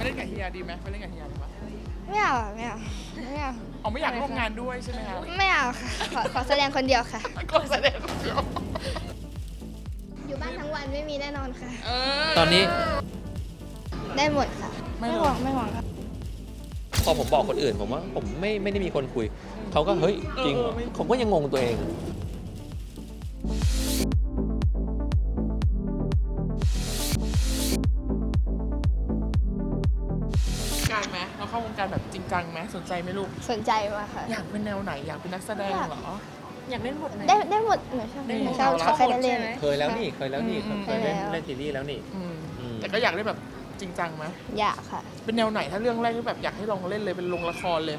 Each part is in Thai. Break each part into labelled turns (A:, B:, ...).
A: เล่นกับเฮียดีไหมไปเล่นกับเฮียดีไหม
B: ไม่เอา
A: เอาไม่อยากร่วมงานด้วยใช่ไหมคะ
B: ไม่เอาค่ะขอแสดงคนเดียวค่ะ
A: ก็แสดงคนเดียว
B: อยู่บ้านทั้งวันไม่มีแน่นอนค่ะ
C: ตอนนี้
B: ได้หมดค่ะ
A: ไม่
B: ไม่
A: ห
B: ห
A: ร
B: วั
A: อก
B: งไม่หวังค่ะ
C: พอผมบอกคนอื่นผมว่าผมไม่ได้มีคนคุยเขาก็เฮ้ยจริงเหรอผมก็ยังงงตัวเอง
A: การไหมเราเข้าวงการแบบจริงจังไหมสนใจไหมลูก
B: สนใจมากค่ะ
A: อยากเป็นแนวไหนอยากเป็นนักแสดงเหรอ
D: อยากเล่นบทไหน
B: ได้หมดหนูชอบ
A: ได้หมด
B: ชอบ
A: แล้ว
B: เคยได้เล่น
C: เคยแล้วนี่เคยเล่น
B: เคยแล้ว
C: เล่นซีรีส์แล้วนี่
A: อืม
C: อืม
A: แต่ก็อยากเล่นแบบจริงจังไหม
B: อยากค่ะ
A: เป็นแนวไหนถ้าเรื่องแรกที่แบบอยากให้ลองเล่นเลยเป็นลงละครเลย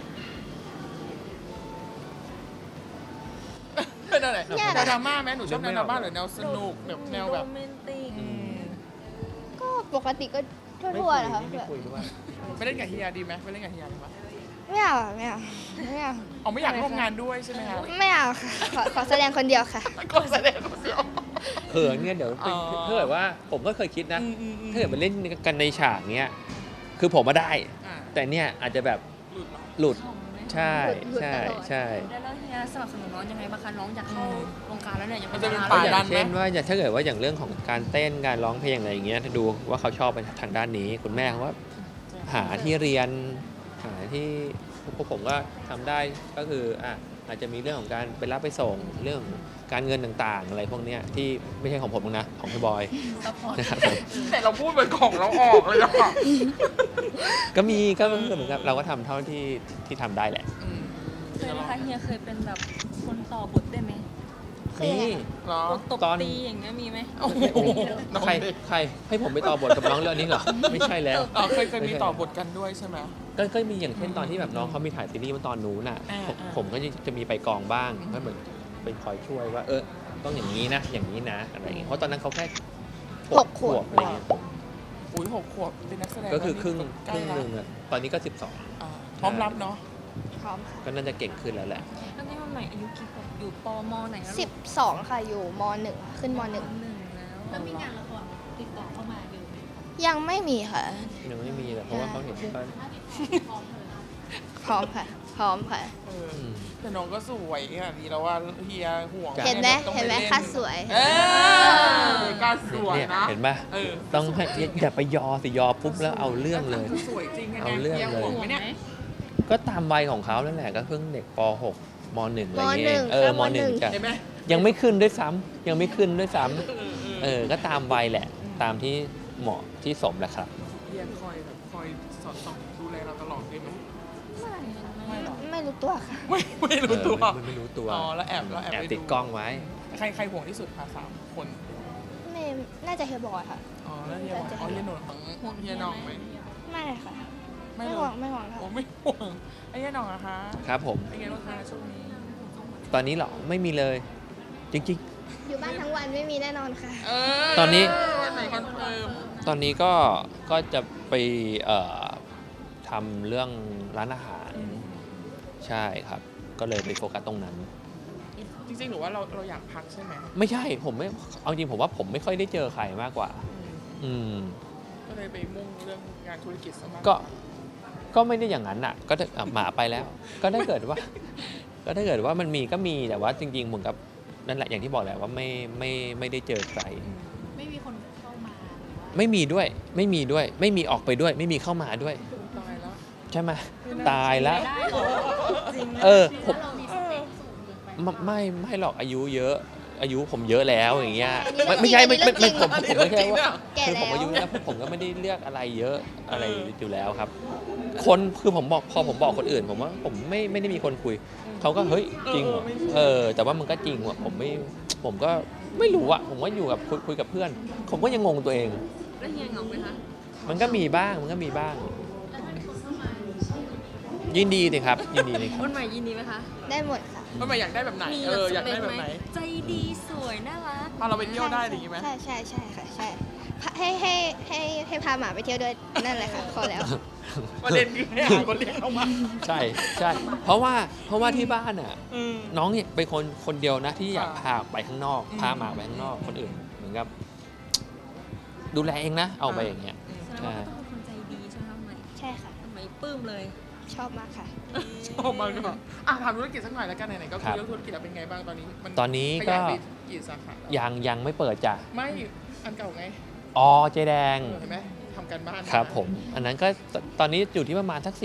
A: เป็นอะไร
B: ยาก
A: แนวดราม่าไหมหนูชอบแนวดราม่าหรือแนวสนุกแบบแนวแบบ
D: โรแมนติก
A: อืม
B: ก็ปกติก็ทั่วๆนะคะ
C: ไม่คุยด้วย
A: ไปเล่นกับเฮียดีไหมไปเล่นกับเฮียดีไหม
B: ไม่เอา
A: เอาไม่อยากร่วมงานด้วยใช่ไหมคะ
B: ไม่เอาค่ะขอแสดงคนเดียวค่ะ
A: ก็แสดงคนเดียว
C: เขินเนี่ยเดี๋ยวไป
A: อ๋อ
C: ถ้าเกิดว่าผมก็เคยคิดนะ
A: อืม
C: ถ้าเกิดมาเล่นกันในฉากเนี้ยคือผมมาได้
A: อ่า
C: แต่เนี่ยอาจจะแบบ
A: หลุดเหรอ
C: หลุด
D: ของไหม
C: ใช่
B: หลุด
C: ใช่
B: ตลอด
C: ใช่
D: แล้วเฮียสนับสนุนน้องยังไงบ้างคะน้องอยากเข้าวงการแล้วเนี่ยยัง
A: มันจะเป็น
D: ดา
A: ป่า
D: รา
A: ดั
C: อน ย่างเช่นว่าถ้าเกิดว่าอย่างเรื่องของการเต้นการร้องเพลงอะไรอย่างเงี้ยถ้าดูว่าเขาชอบไปทางด้านนี้คุณแม่เขาว่าหาที่เรียนหาที่พวกผมก็ทำได้ก็คืออาจจะมีเรื่องของการไปรับไปส่งเรื่องการเงินต่างๆ อะไรพวกเนี้ยที่ไม่ใช่ของผมนะของพี่บอย
D: ซัพพอร์ต
C: นะครับผม
A: แต่เราพูดเป็นของเราออกเลยอะ
C: ก็มีก็เหมือนกับเราก็ทำเท่าที่ทำได้แหละ
A: อืม
D: เคยไหมคะเฮียเคยเป็นแบบคนต่อบทได้ไหม
C: นี่
A: เหรอ
D: บทตบ
C: ตอน
D: ตีอย่างเงี้ยมีไหม
A: โอ้โหน้อง
C: ใคร
A: เด็ก
C: ใครให้ผมไปต่อบทกับน้องเรื่องนี้เหรอไม่ใช่แล้ว
A: อ๋อเคยมีต่อบทกันด้วยใช่ไหม
C: ก็มีอย่างเช่นตอนที่แบบน้องเขามีถ่ายซีรีส์เมื่อตอนนู้นน่ะ
A: อ่า
C: ผมก็จะมีไปกองบ้างก็เหมือนเป็นคอยช่วยว่าต้องอย่างนี้นะอย่างนี้นะอะไรอย่างเงี้ยเพราะตอนนั้นเขาแค่
B: หกขวบ
C: อะไรเงี้ย
A: อุ้ย6 ขวบเป็นนักแสดง
C: ก็คือครึ่ง
A: ใกล้ละ
C: หนึ่งอะตอนนี้ก็
A: อ่าพร้อมรับเนาะ
B: พร้อมค่ะ
C: 12 ก็น่าจะเก่งขึ้นแล้วแหละ
D: แล้วนี่มันใหม่อายุกี่ขวบอยู่ปมไหนแล้ว
B: 12 ค่ะอยู่ม .1 ค่ะขึ้นม
D: หนึ่ง
B: .1
D: แล้วมีงานละครติดต่อเข้ามาเยอะไหม
B: ยังไม่มีค่ะ
C: ยังไม่มีเลยเพราะว่าเขาเห็นก็
B: พร้อมค่ะ พร้อมค่ะ
A: เออ
C: อืม
A: แต่น้องก็สวยขนาดนี้แล้วว่าเฮียห่วง
C: จ้ะ
B: เห็นไหม
A: ต้องป
B: เห็นไหม
A: ล่
B: ค่าสวย
A: เออกล้าสวย
C: เนี่ย
A: นะ
C: เห็นป่ะ
A: เออ
C: ต้องให้อย่าไปยอสิยอปุ๊บแล้วเอาเรื่องเลย
A: คือสวยจริงไง
C: เอาเรื่อง
A: ฮีย
C: เลย
A: ห่วงไหมเนี่ย
C: ก็ตามวัยของเขานั่นแหละก็เพิ่งเด็กป .6 ม .1 อะไรอย่างเงี้ย
B: ม
C: เออม
B: หนึ่ง
C: .1 จ้ะ
A: เห็นไหม
C: ยังไม่ขึ้นด้วยซ้ำยังไม่ขึ้นด้วยซ้ำก็ตามวัยแหละ ตามที่เหมาะที่สมแหละครับ
A: เฮียคอยแบบคอยสอดส่องดูแลเราตลอดเลยไหม
D: ไม่หรอก
A: ไม่หรอ
B: ไม่รู้ตัวค่ะ
A: ไม่รู้ตัว
C: ไม่รู้ตัว
A: อ๋อแล้วแอบ
C: แอบ
A: ไป
C: ติดกล้องไว้
A: ใครห่วงที่สุดคะ3 คน
B: ไม่น่าจะเฮยบอยค่ะ
A: อ๋อแล้วเฮียห่วงอ๋อเฮียหนุ่มของเฮียน้องไหม
B: ไม่ค่ะ
A: ไม่
B: ไม่
A: เล
B: หวังไม่หวังค่ะ
A: โอ้ไม่ห่วงไอ้เฮียน้องอะคะ
C: ครับผม
A: เป็นไงบ้างคะช่วงนี้
C: ตอนนี้เหรอไม่มีเลย จริง
B: อยู่บ้านทั้งวันไม่มีแน่นอนค่ะ
C: ตอนนี้
A: วันไหนคอนเฟิร์ม
C: ๆ ตอนนี้ก็จะไปทำเรื่องร้านอาหาร ใช่ครับ ก็เลยไปโฟกัสตรงนั้น
A: จริงๆหรือว่าเราอยากพักใช่ไหม
C: ไม่ใช่ผมไม่เอาจริงผมว่าผมไม่ค่อยได้เจอใครมากกว่า อืม
A: ก็เลยไปมุ่งเรื่องงานธุรกิจซะมาก
C: ก็ไม่ได้อย่างนั้นอ่ะ ก็หมาไปแล้ว ก็ถ้าเกิดว่า ก็ถ้าเกิดว่ามันมีก็มีแต่ว่าจริงๆเหมือนกับนั่นแหละอย่างที่บอกแหละว่าไม่ได้เจอใคร
D: ไม่มีคนเข้ามาหรือว่า
C: ไม่มีด้วยไม่มีออกไปด้วย ไม่มีเข้ามาด้วย
A: ตายแล้ว
C: ใช่ไหมตายแล้ว
D: ได้เหรอจริงนะ
C: ผม
D: เรามีสเปคสูงเกินไป
C: ไม่หรอกอายุเยอะ อายุผมเยอะแล้วอย่างเงี้ย
B: อันนี้
C: ไม่ใช่
B: เรื่องจริง
C: ผมไม่ใช่ว่า
B: แก่
C: คือ
B: แล้
C: ผม
B: ว
C: อายุแล้วผมก็ไม่ได้เลือกอะไรเยอะอะไรอยู่แล้วครับ คนคือผมบอกพอผมบอกคนอื่น ผมว่าผมไม่ได้มีคนคุยเขาก็เฮ้ยจริงเหรอแต่ว่ามันก็จริงว่ะผมก็ไม่รู้อะผมว่าอยู่กับคุยกับเพื่อน ผมก็ยังงงตัวเอง
D: แล้วเฮียเหงาไหมคะ
C: มันก็มีบ้าง ยินดีสิครับยินดีสิครับ
D: วันใหม่ยินดีไหมคะ
B: ได้หมดค่ะ
A: มันหมายอยากได้แบบไหน
D: มี
A: อยากได้แบบไหน
D: ใจดีสวยน่ารัก
A: พาเราไปเที่ยวได้อย่างงี้ไหม
B: ใช่ค่ะใช่ให้พาหมาไปเที่ยวด้วยนั่นแหละค่ะพอแล้ว
A: ประเด็นคือให้หาคนเลี้ยงเข้ามา
C: ใช่เพราะว่าที่บ้านอ่ะ น้องเนี่ยเป็นคนเดียวนะที่อยากพาออกไปข้างนอก พาหมาไปข้างนอกคนอื่นเหมือนกับ ดูแลเองนะเอาไปอย่างเงี้ย
D: แสดงว่าก็ต้องเป็นคนใจดีใช่ไหมคะใหม่
B: ใช่ค่ะ
D: ทำไมปลื้มเลย
B: ชอบมากค่ะ
A: ชอบมากเลยถามธุรกิจสักหน่อยแล้วกันไหนๆก็
C: ครั
A: คือบ เรื่องธุรกิจแล้วเป็นไงบ้างตอนนี้มัน
C: ตอนนี้
A: ข
C: ก็
A: ยายไปกี่สาขาแล้ว
C: ยังไม่เปิดจ้ะ
A: ไม่อันเก่าไง
C: อ๋อเจ๊แดง
A: เห็นไหมทำกันบ้าน
C: ครับผม อันนั้นก็ตอนนี้อยู่ที่ประมาณสัก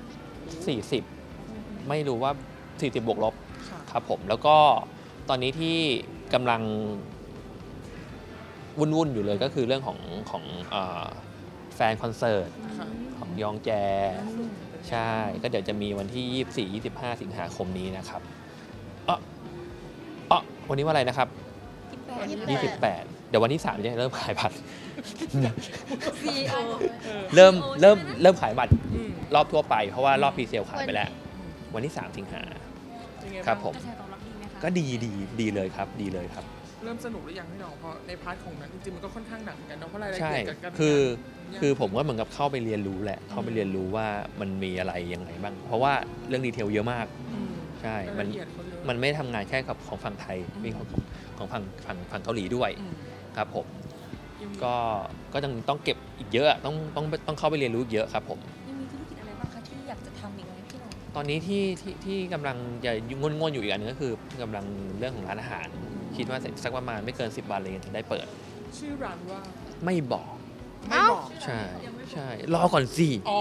C: 40 ไม่รู้ว่า 40 บวกลบ
A: ค่ะ
C: ครับผม แล้วก็ตอนนี้ที่กำลังวุ่นๆอยู่เลยก็คือเรื่องของแฟนคอนเสิร์ต
A: ค่ะ
C: ของยองแจ ใช่ ก็เดี๋ยวจะมีวันที่ 24-25 สิงหาคมนี้นะครับวันนี้ว่าอะไรนะครับ 28 เดี๋ยววันที่ 3 จะเริ่มขายบัตร
D: CEO
C: เริ่มขายบัตร
A: อืม
C: รอบทั่วไป เพราะว่ารอบพรีเซลขายไปแล้ว วันที่ 3 สิงหา
A: เป็นไงาง
C: ครับผม
D: กระแสตอบรับดีไหมคะ
C: ก็ดีเลยครับ ดีเลยครับ
A: เริ่มสนุกหรือยังพี่น้องเพราะในพาร์ทของนั้นจริงๆมันก็ค่อนข้างหนักเหมือนกันเนาะเพราะรายละ
C: ใช่
A: เอียดกับการทำงาน
C: คือผมก็เหมือนกับเข้าไปเรียนรู้แหละ เข้าไปเรียนรู้ว่ามันมีอะไรยังไงบ้าง เพราะว่าเรื่องดีเทลเยอะมาก
A: ม
C: ใช่
A: รายละเอียดเขาเยอะ
C: มันไม่ได้ทำงานแค่กับของฝั่งไทย มีของฝั่งเกาหลีด้วย
A: อืม
C: ครับผม
A: ยังมี
C: ก็ต้องเก็บอีกเยอะ ต้องเข้าไปเรียนรู้อีกเยอะครับผม
D: ยังมีธุรกิจอะไรบ้างคะที่อยากจะทำอีกไหมพี่น้อง
C: ตอนนี้ที่กำลังจะงนอยู่อีกอันนึงก็คือกำลังเรื่องของร้านอาหาร คิดว่าสักประมาณไม่เกิน 10 วันเลยจะได้เปิด
A: ชื่อร้านว่า
C: ไม่บอก
A: ไม่บอก
C: ใช่รอก่อนสิ
A: อ๋อ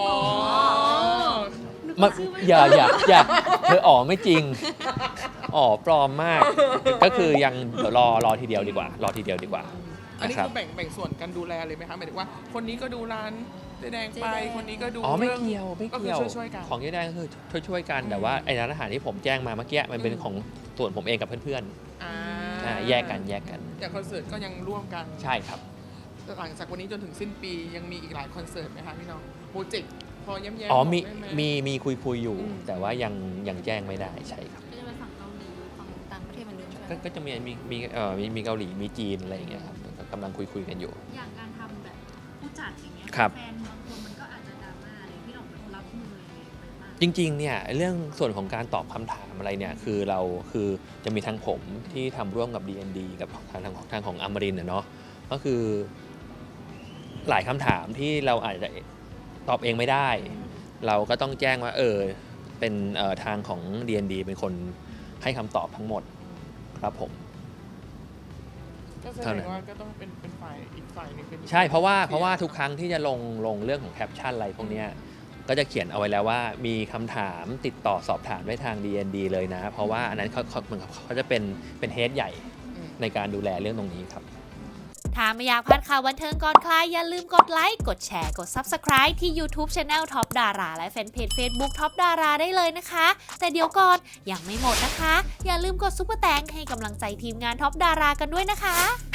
C: มาอย่าเธออ๋อไม่จริงอ๋อปลอมมาก ก็คือยังเดี๋ยวรอทีเดียวดีกว่า รอทีเดียวดีกว่า
A: อันนี้
C: นะครับ
A: คือแบ่งส่วนกันดูแลเลยไหมคะหมายถึงว่า คนนี้ก็ดูร้านเจ๊แดงไป
D: เจ๊แดง
A: คนนี้ก็ดู
C: อ๋อไม่
A: รื่อง
C: เกี่ยวไม่
A: ก็คื
C: เกี่ยว
A: ช่วยๆกัน
C: ของยี่แดงก็คือช่วยกัน
A: อืม
C: แต่ว่าไอ้ร้านอาหารที่ผมแจ้งมาเมื่อกี้มันเป็น
A: อืม
C: ของส่วนผมเองกับเพื่อน
A: อ่า
C: ๆแยกกัน
A: อย่างคอนเสิร์ตก็ยังร่วมกัน
C: ใช่ครับ
A: หลังจากวันนี้จนถึงสิ้นปียังมีอีกหลายคอนเสิร์ตไหมคะพี่น้องโปรเจกต์พอแย้มๆ
C: อ๋อบ
A: กได้ไห
C: มีคุยอยู่
A: อืม
C: แต่ว่ายังแจ้งไม่ได้ใช่ครับ
D: ก็จะไปฝั่งเกาหลีฝั่งต่างประเทศเหมือนเดิมใช่ไหม
C: ก็จะมีเกาหลีมีจีนอะไรอย่างเงี้ยครับก็กำลังคุยกันอยู่
E: อย่างการทำแบบผู้จัดอย่างเงี้ย
C: ครับ
E: แฟนบางคนมันก็อาจจะดราม่าอะไรพี่หน่องเป็นคนรับมือยังไงไปบ้าง
C: จริงๆเนี่ยเรื่องส่วนของการตอบคำถามอะไรเนี่ยคือจะมีทางผมที่ทำร่วมกับ DND กับทางของอมรินทร์เนาะก็คือหลายคำถามที่เราอาจจะตอบเองไม่ได้ เราก็ต้องแจ้งว่าเป็นทางของ DND เป็นคนให้คำตอบทั้งหมดครับผม
A: ก็แส
C: เท่า
A: ด
C: นั้
A: ง
C: น
A: ว่าก็ต้องเป็นฝ่ายอีกฝ่ายหนึงเป็น
C: ใช่เพราะว่าทุกครั้งที่จะลงเรื่องของแคปชั่นอะไรพวกเนี้ยก็จะเขียนเอาไว้แล้วว่ามีคำถามติดต่อสอบถามได้ทาง DND เลยนะ เพราะว่าอันนั้นเขาจะเป็นเฮดใหญ่ในการดูแลเรื่องตรงนี้ครับ
F: ถ้าไม่อยากพลาดข่าวบันเทิงก่อนใครอย่าลืมกดไลค์ กดแชร์ กด Subscribe ที่ YouTube Channel Top Dara และแฟนเพจ Facebook Top Dara ได้เลยนะคะ แต่เดี๋ยวก่อนยังไม่หมดนะคะ อย่าลืมกดซุปเปอร์แตงให้กำลังใจทีมงาน Top Dara กันด้วยนะคะ